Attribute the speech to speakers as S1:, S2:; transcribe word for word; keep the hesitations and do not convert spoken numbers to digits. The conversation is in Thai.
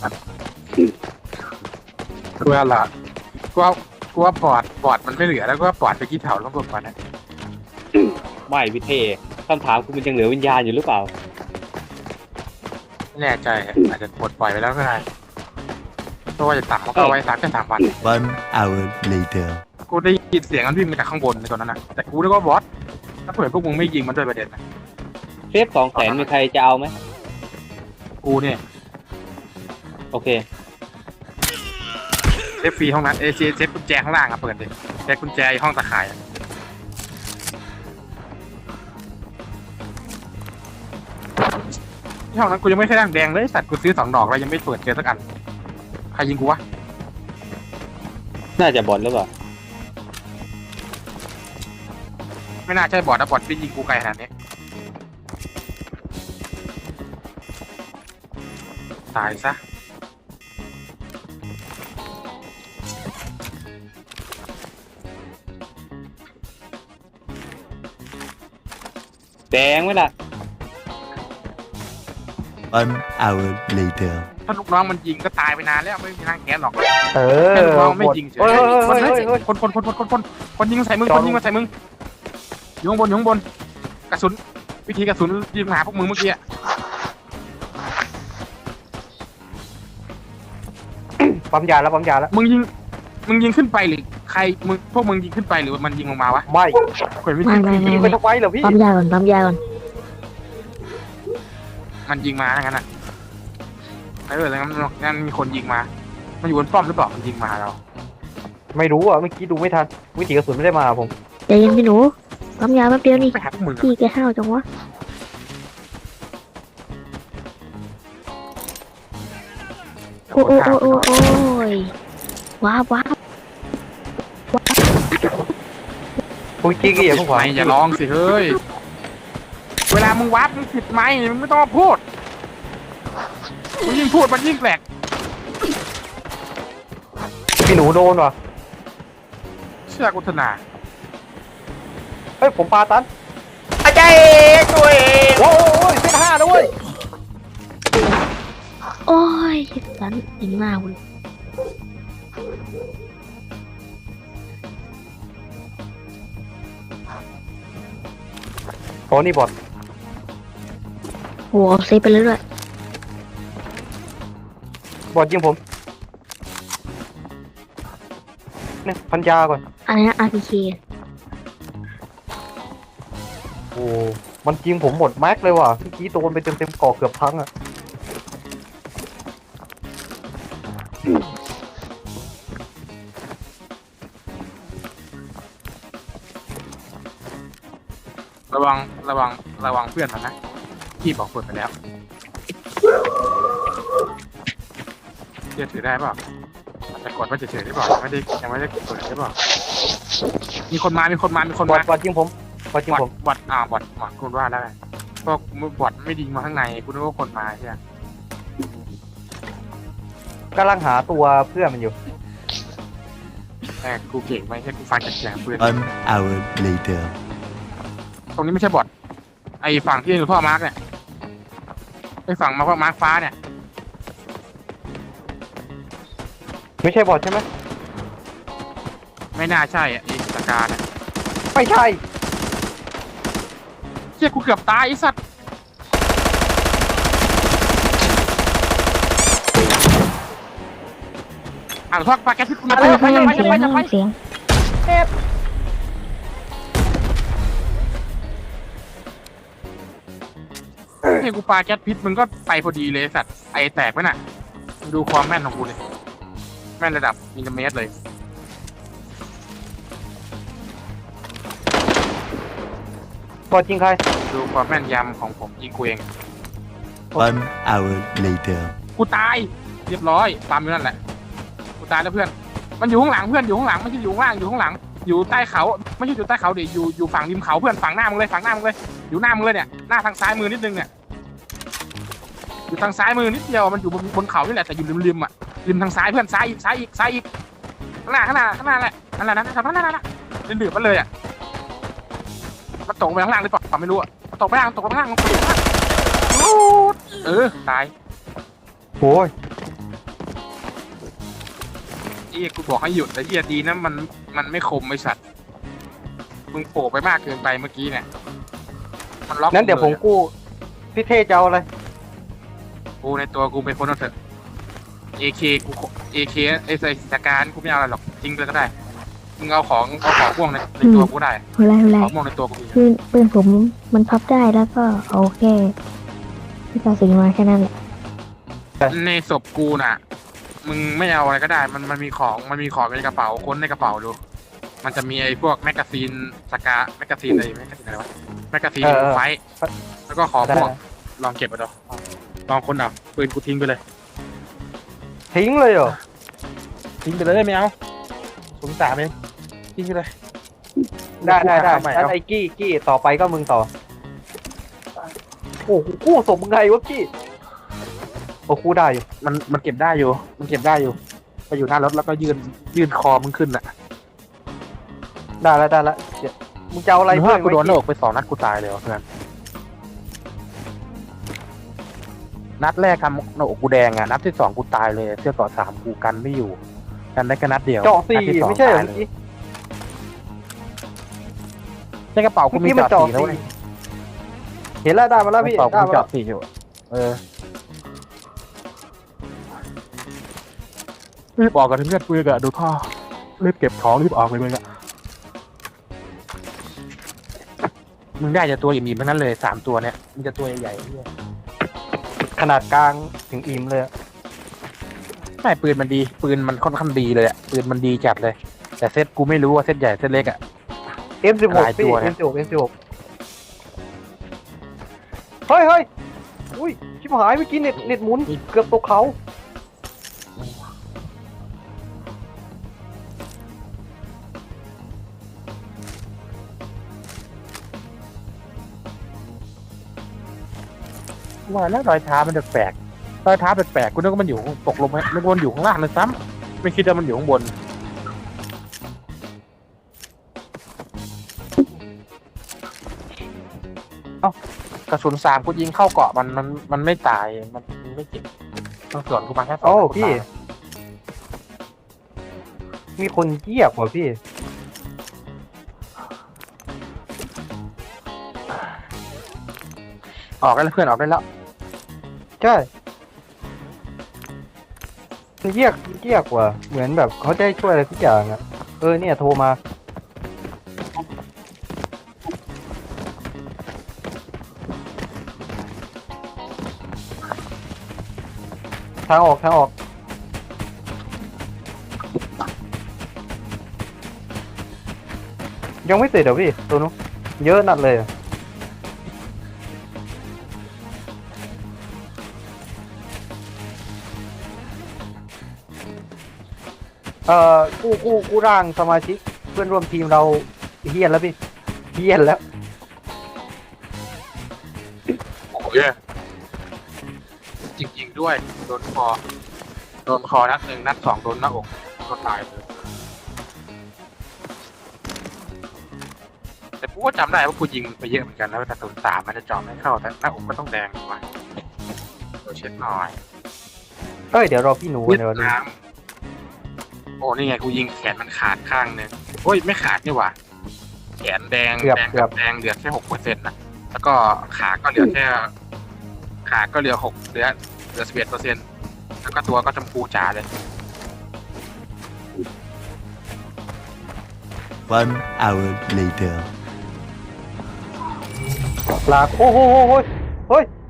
S1: กูว่าละกูว่ากูว่าปอดปอดมันไม่เหลือแล้วก็ว่าปอดไปกี่เถาแล้วก็ปอดนะ
S2: ไม่พี่เทคำถามคุณมันยังเหลือวิญญาณอยู่หรือเปล่า
S1: ไม่แน่ใจอาจจะปลดปล่อยไปแล้วก็ได้เพราะว่าจะตักมันก็เอาไว้สักแค่สามวัน
S3: One hour later.
S1: กูได้ยินเสียงมันวิ่งมาจากข้างบนในตอนนั้นนะแต่กูนึกว่าบอสถ้าเผื่อพวกมึงไม่ยิงมันด้วยประเด็นนะ
S2: เซฟสองแสนมีใครจะเอาไหม
S1: กูเนี่ย
S2: โอเค
S1: เซฟฟรีห้องนั้นเอเซเซฟกุญแจข้างล่างอะเปิดดิเซฟกุญแจห้องตะข่ายอะที่ห้องนั้นกูยังไม่เคยดังแดงเลยสัตว์กูซื้อสองดอกแล้วยังไม่เปิดเจอสักอันใครยิงกูวะ
S2: น่าจะบอลหรือเปล่า
S1: ไม่น่าใช่บอดนะบอดที่ยิงกูไกลขนาดนี้ตายซะ
S2: แดงไหมล่ะ
S3: One hour later.
S1: ถ้าลูกน้องมันยิงก็ตายไปนานแล้วไม่มีทางแก้หรอก
S4: เออ
S1: แค่ลูกน้องไม่ยิงเฉย
S4: เฮ้ยเฮ้ยเฮ้ยเฮ้ย
S1: คนคนคนคนคนคนคนยิงมาใส่มึงคนยิงมาใส่มึงอยู่ข้างบนอยู่ข้างบนกระสุนวิธีกระสุนยิงหาพวกมึงเมื่อกี้อะ
S4: ปั๊มยาแล้วปั๊มยาแล้ว
S1: มึงยิงมึงยิงขึ้นไปหรือใครมึงพวกมึงยิงขึ้นไปหรือมันยิงลงมาวะ
S4: ไม่
S1: เปิดวิ
S5: ไม่
S1: ธี
S5: ไม่ไม่
S4: ยิงไป
S5: ไม่
S4: ทำไมเหรอพี่
S5: ปั๊มยาก่อนปั๊มยาก่อน
S1: มันยิงมาอย่างนั้นอ่ะเออแล้วงั้นงั้นมีคนยิงมา มันอยู่บนป้อมหรือเปล่ามันยิงมาเรา
S4: ไม่รู้อ่ะเมื่อกี้ดูไม่ทันวิถีกระสุนไม่ได้มาผม
S5: ใจเย็นพี่หนูปั๊มยาแป๊บเดียวนี่
S1: ไปหาพวกมึงอะ
S5: พี่แกห้าวจังวะโอ้โอ้โอ้โอ้โอ้ยว้าวว้าว
S4: คุณกี้กี้อย่าเพิ่งขวา
S1: ไม่อย่าร้องสิเฮ้ยเวลามึงวัดมึงผิดไหมมึงไม่ต้องมาพูดมึงยิ่งพูดมันยิ่งแปลก
S4: พี่หนูโดนว่ะ
S1: เชื่อกุศนา
S4: เฮ้ยผมปาตันอาจารย์ตัวเองโอ้ยเส้นห้าด้วย
S5: โอ้ยสันยิงหน้าคุณ
S4: โอ้นี่บอด
S5: โหเซฟไปเลยด้วย
S4: บอดยิงผมเนี่ยพันยาก่อน
S5: อะไรนะ อาร์ พี เค
S4: โอ้มันยิงผมหมดแม็กเลยว่ะเมื่อกี้โดนไปเต็มเต็มๆก่อเกือบพังอ่ะ
S1: ระวังระวังระวังเพื่อนมันนะพี่บอกเปิดไปแล้วเชื่อถือได้เปล่าจะกดว่าจะเฉยได้เปล่าไม่ได้ยังไม่ได้เปิดได้เปล่ามีคนมามีคนมามีคน
S4: บอ
S1: มา
S4: ดบอดยิงผมบอดยิง
S1: บอ
S4: ผ
S1: ด
S4: ม
S1: บอดอ่าบอดบอดคุณว่าได้เพราะบอดไม่ดีมาข้างในคุณนึกว่าคนมาใช่ไหม
S4: กำลังหาตัวเพื่อนมันอยู่
S1: แต่กูเก่งไหมแค่กูฟังจากเสียงปืน
S3: One hour later.
S1: ตรงนี้ไม่ใช่บอดไอ้ฝั่งที่หลวงพ่อมาร์กเนี่ยไอ้ฝั่งมาพ่อมาร์กฟ้าเนี่ย
S4: ไม่ใช่บอดใช่ไหม
S1: ไม่น่าใช่อ่ะไอ้สกาเนี่ย
S4: ไม่ใช่
S1: เชี่ยกูเกือบตายไอ้สัตว์อ่างทอดปลาแก๊สพิษกูมา
S5: เอ
S1: ไป
S5: อ
S1: ไป
S5: เสียง
S1: ไปไปไป
S5: เสียง
S1: เนี่ยกูปลาแก๊สพิษมึงก็ไปพอดีเลยสัตว์ไอแตกไปน่ะดูความแม่นของกูเลยแม่นระดับมิลลิเมตรเลย
S4: บอดยิงใคร
S1: ดูความแม่นยำของผมยิงกูเอง
S3: One hour later.
S1: กูตายเรียบร้อยตามอยู่นั่นแหละกูตายแล้วเพื่อนมันอยู่ข้างหลังเพื่อนอยู่ข้างหลังไม่ใช่อยู่ข้างล่างอยู่ข้างหลังอยู่ใต้เขาไม่ใช่อยู่ใต้เขาดิอยู่อยู่ฝั่งริมเขาเพื่อนฝั่งหน้ามึงเลยฝั่งหน้ามึงเลยอยู่หน้ามึงเลยเนี่ยหน้าทางซ้ายมือนิดนึงเนี่ยอยู่ทางซ้ายมือนิดเดียวมันอยู่บนบนเขานี่แหละแต่อยู่ริมริมอ่ะริมทางซ้ายเพื่อนซ้ายอีกซ้ายอีกซ้ายอีกข้างหน้าข้างหน้าข้างหน้าแหละนั่นแหละนั่นนั่นนั่นนั่นนั่นดื่มมันเลยอ่ะมันตกไปข้างล่างหรือเปล่าไม่รู้อ่ะตกไปข้างล่างตกไปข้างล่างลงไปข้างล่างเออตาย
S4: โอ้ย
S1: ไอ้เหี้ยกูบอกให้หยุดแต่เหี้ยดีนะมันมันไม่คมไอ้สัตว์มึงโผล่ไปมากเกินไปเมื่อกี้เนี่ยมันล็อก
S4: นั้นเดี๋ยวผม
S1: ลอะ
S4: กู้พี่เท่จะเอาอะไร
S1: กูในตัวกูเป็นคนเอาเถอะ เอ เค กู เอ เค ไอ้ใส่สการกูไม่เอาอะไรหรอกทิ้งไปก็ได้มึงเอาของเอาของม่วงในในตัวกูได้
S5: อะไรอะไร
S1: ของม่วงในตัวกูมี
S5: คือปืนผมมันพับได้แล้วก็เอาแค่ที่กระสุนมาแค่นั้นแหละ
S1: ในศพกูน่ะ มึงไม่เอาอะไรก็ได้ มันมันมีของมันมีของในกระเป๋าค้นในกระเป๋าดู มันจะมีไอ้พวกแมกกาซีนสกาแมกกาซีนอะไรแมกกาซีนอะไรวะแมกกาซีน
S4: เออเออ
S1: ไฟท์แล้วก็ของ
S4: ได้
S1: พวกลองเก็บเอาดูลองคนเอาปืนกูทิ้งไปเลย
S4: ทิ้งเลยเหรอ
S1: ทิ้งไปเลยไม่เอาสงสารเองทิ้งไปเลย
S4: ได้ได้ได้
S1: ใหม่
S4: งั้น
S1: เอา
S4: ไอ้กี้กี้ต่อไปก็มึงต่อโอ้โหกู้สมมึงไงวะกี้โอ้กู้ได้อยู่
S1: มันมันเก็บได้อยู่ มันเก็บได้อยู่ไปอยู่หน้ารถแล้วก็ยืนยืนคอมึงขึ้นอ่ะ
S4: ได้แล้วได้แล้วเดี๋ยวมึงจะเอาอะไร
S1: เพื่
S4: เพื่
S1: อ
S4: อน น
S1: กูโดนหน้าอกไปสองนัดกูตายเลยว่ะเพื่อนนัดแรกทำหน้าอกกูแดงอ่ะนัดที่สองกูตายเลยเสื้อต่อสามกูกันไม่อยู่ กันได้แค่นัดเดียว
S4: เจาะสี่
S1: นัดที่สอง
S4: ไม่ใช่เหรอ
S1: ตาย
S4: เมื่อ
S1: เลย
S4: กี้
S1: ในกระเป๋ากูมี
S4: เมื่อกี้มัน
S1: เจาะ
S4: เจาะ
S1: สี่แล้ว
S4: สี่
S1: เว้ย
S4: เห็นแล้วได้มาแล้วพี่
S1: กระเป๋ากู
S4: ได้
S1: มี
S4: มาแล้ว
S1: เจาะสี่อยู่เออรีบออกกันเพื่อนปืนอะดูท่อรีบเก็บของรีบออกเลยมึงอะมึงได้จะตัวอิ่มๆทั้งนั้นเลยสามตัวเนี้ยมึงจะตัวใหญ่ๆเนี่ย
S4: ขนาดกลางถึงอิ่มเลยอะ
S1: ไม่ปืนมันดี ปืนมันค่อนข้างดีเลยอะปืนมันดีจัดเลย แต่เซตกูไม่รู้ว่าเซตใหญ่เซตเล็กอะ
S4: เอ็มสิบหก
S1: หลายตั
S4: พี่
S1: วเนี่ย
S4: เอ็มสิบหกเอ็มสิบหกเฮ้ยเฮ้ยอุ้ยชิบหายเมื่อกี้เน็ตเน็ตหมุนเกือบตกเขา
S1: ว่าแล้วรอยเท้ามันแปลกๆรอยเท้าแปลกๆกูนึกว่ามันอยู่ตกลงไปนึกว่ามันอยู่ข้างล่างเลยซ้ำไม่คิดว่ามันอยู่ข้างบนเอ้ากระสุนสามกูยิงเข้าเกาะมันมันมันไม่ตายมันมันไม่เจ็บต้องส่วนกูมาแค่สอง
S4: โอ้
S1: นัดกู
S4: พี่
S1: ตาย
S4: มีคนเยียบว่ะพี่
S1: ออกได้แล้วเพื่อนออกได้แล้ว
S4: ใช่เยียกเยียกว่ะเหมือนแบบเขาจะให้ช่วยอะไรทุกอย่างอะเออเนี่ยโทรมาทางออกทางออกยังไม่เสร็จเหรอพี่ตัวนู้นเยอะนัดเลยอะเอ่อกู้กู้กู้ร่างสมาชิกเพื่อนร่วมทีมเราเฮี้ยนแล้วพี่เฮี้ยนแล้ว
S1: โอ้ยจริงๆด้วยโดนคอโดนคอนัดหนึ่งนัดสองโดนหน้าอกก็ตายเลยแต่กูก็จำได้ว่ากูยิงไปเยอะเหมือนกันแล้วแต่ศูนย์สามมันจะเจาะไม่เข้าแต่หน้าอกก็ต้องแดงถูกไหมเดี๋ยวเช็ดหน่อย
S4: เอ้ยเดี๋ยวรอพี่หนู
S1: เวียด
S4: เดี๋ยวดู
S1: นามโอ้นี่ไงกูยิงแขนมันขาดข้างหนึงโอ้ยไม่ขาดนี่หว่าแขนแดง
S4: เกือบ
S1: แดง
S4: เกือ
S1: กั
S4: บบ
S1: แดงเหลือแค่หกเปอร์เซ็นต์นะแล้วก็ขาก็เหลือแค่ขาก็เหลือหกเหลือเหลือสิบเอ็ดเปอร์เซ็นต์แล้วก็ตัวก็ชมพูจ๋าเลย
S3: One hour later.
S4: ลากโอ้โหโอ้โหโอ้ย